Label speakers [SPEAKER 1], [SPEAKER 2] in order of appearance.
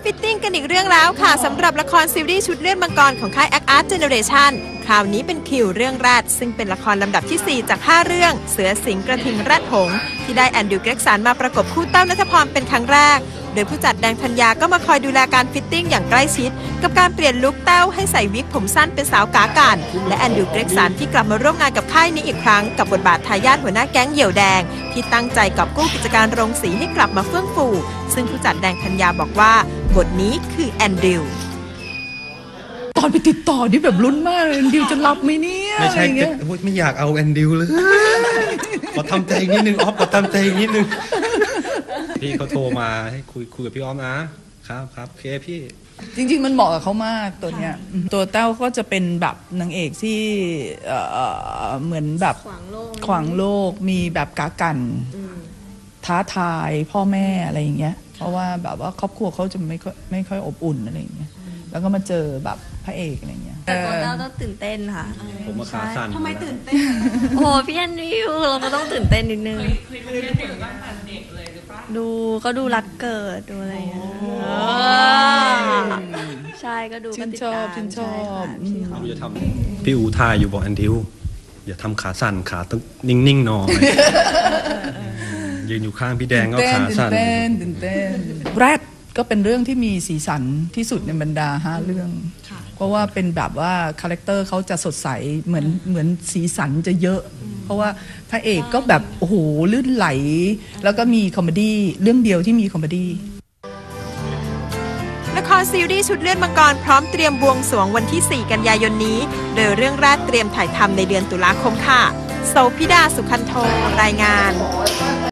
[SPEAKER 1] ฟิตติ้งกันอีกเรื่องแล้วค่ะสำหรับละครซีรีส์ชุดเลือดมังกรของค่าย Act Generation คราวนี้เป็นคิวเรื่องแรกซึ่งเป็นละครลำดับที่ 4 จาก 5 เรื่องเสือสิงห์กระทิงแรดหงส์ที่ได้แอนดรูว์เกร็กสันมาประกบคู่เต้าณัฐพรเป็นครั้งแรกโดยผู้จัดแดงธัญญาก็มาคอยดูแลการฟิตติ้งอย่างใกล้ชิดกับการเปลี่ยนลุคเต้าให้ใส่วิกผมสั้นเป็นสาวกากันและแอนดรูว์เกร็กสันที่กลับมาร่วมงานกับค่ายนี้อีกครั้งกับบทบาททายาทหัวหน้าแก๊งเหยี่ยวแดงที่ตั้งใจกอบกู้กิจการโรงสีให้กลับมาเฟื่องฟูซึ่งผู้จัดแดงธัญญาบอกว่าบทนี้คือแอนดรูว์
[SPEAKER 2] ตอนไปติดต่อนี่แบบลุ้นมากแอนดิวจะรับไหมเนี่ย
[SPEAKER 3] ไม่ใช่ไม่อยากเอาแอนดิวเลยขอทำใจนิดนึงออฟขอทำใจนิดนึงพี่เขาโทรมาให้คุยกับพี่ออฟนะครับโอเคพี่
[SPEAKER 2] จริงๆมันเหมาะกับเขามากตัวเนี้ยตัวเต้าก็จะเป็นแบบนางเอกที่เหมือนแบบขวางโลกมีแบบกากันท้าทายพ่อแม่อะไรอย่างเงี้ยเพราะว่าแบบว่าครอบครัวเขาจะไม่ค่อยอบอุ่นอะไรอย่างเงี้ยแล้วก็มาเจอแบบพระเอกอะไรเงี้ย
[SPEAKER 4] แต่ตัวเราต้องตื่นเต้นค่ะ
[SPEAKER 3] ผมมาขาสั่น
[SPEAKER 1] ทำไมตื่นเต้น
[SPEAKER 4] โอ้พี่แอนดิวเราก็ต้องตื่นเต้นนิดนึงดูก็ดูรักเกิดดูอะไรอย่างเงี้ยใช่ก็ดู
[SPEAKER 2] ชื่นชอบ
[SPEAKER 3] เราจะทำพี่อูทายอยู่บอกแอนดิวอย่าทำขาสั่นขาต้องนิ่งๆหน่อยยืนอยู่ข้างพี่แดงก็ขาสั่น
[SPEAKER 2] ตื่นเต้นแรดก็เป็นเรื่องที่มีสีสันที่สุดในบรรดา5 เรื่องเพราะว่าเป็นแบบว่าคาแรคเตอร์เขาจะสดใสเหมือนสีสันจะเยอะเพราะว่าพระเอกก็แบบโอ้โหลื่นไหลแล้วก็มีคอมเมดี้เรื่องเดียวที่มีคอมเมดี้
[SPEAKER 1] ละครซีรีส์ชุดเลือดมังกรพร้อมเตรียมบวงสรวงวันที่ 4 กันยายนนี้โดยเรื่องแรกเตรียมถ่ายทำในเดือนตุลาคมค่ะโสภิดา สุขันโทรายงาน